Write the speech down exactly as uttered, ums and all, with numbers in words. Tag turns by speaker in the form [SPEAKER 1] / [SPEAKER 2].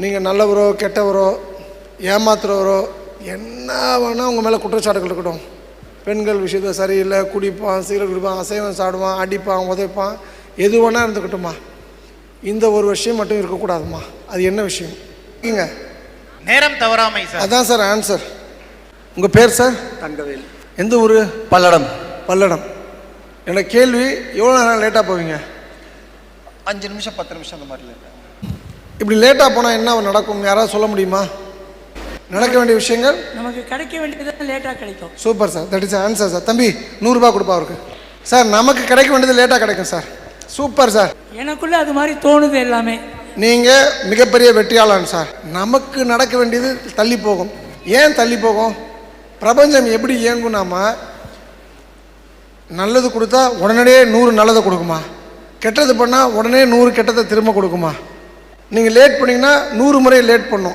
[SPEAKER 1] நீங்கள் நல்லவரோ கெட்டவரோ ஏமாத்துறவரோ என்ன வேணால் உங்கள் மேலே குற்றச்சாட்டுகள் இருக்கட்டும். பெண்கள் விஷயத்தில் சரியில்லை, குடிப்பான், சீரல் குடிப்பான், அசைவம் சாப்பிடுவான், அடிப்பான், உதைப்பான், எது வேணால் இருந்துக்கட்டுமா. இந்த ஒரு விஷயம் மட்டும் இருக்கக்கூடாதுமா. அது என்ன விஷயம்? இங்க
[SPEAKER 2] நேரம் தவறாமை சார்.
[SPEAKER 1] அதான் சார் ஆன்சர். உங்கள் பேர் சார்?
[SPEAKER 3] தங்கவேல்.
[SPEAKER 1] எந்த ஊர்?
[SPEAKER 3] பல்லடம்.
[SPEAKER 1] பல்லடம். என்னோட கேள்வி, எவ்வளோ நேரம் லேட்டாக போவீங்க?
[SPEAKER 3] அஞ்சு நிமிஷம் பத்து நிமிஷம் அந்த மாதிரி லேட்டாக.
[SPEAKER 1] இப்படி லேட்டாக போனால் என்ன நடக்கும், யாராவது சொல்ல முடியுமா? நடக்க வேண்டிய விஷயங்கள்
[SPEAKER 4] நமக்கு கிடைக்க வேண்டியது லேட்டாக கிடைக்கும்.
[SPEAKER 1] Super sir, that is answer sir. தம்பி நூறுரூபா கொடுப்பா அவருக்கு. சார் நமக்கு கிடைக்க வேண்டியது லேட்டாக கிடைக்கும் சார். Super sir.
[SPEAKER 4] எனக்குள்ள அது மாதிரி தோணுது எல்லாமே.
[SPEAKER 1] நீங்கள் மிகப்பெரிய வெற்றியாளன் சார். நமக்கு நடக்க வேண்டியது தள்ளி போகும். ஏன் தள்ளி போகும்? பிரபஞ்சம் எப்படி இயங்குனாமா, நல்லது கொடுத்தா உடனடியே நூறு நல்லதை கொடுக்குமா, கெட்டது பண்ணால் உடனே நூறு கெட்டதை திரும்ப கொடுக்குமா. நீங்கள் லேட் பண்ணிங்கன்னா நூறு முறை லேட் பண்ணும்.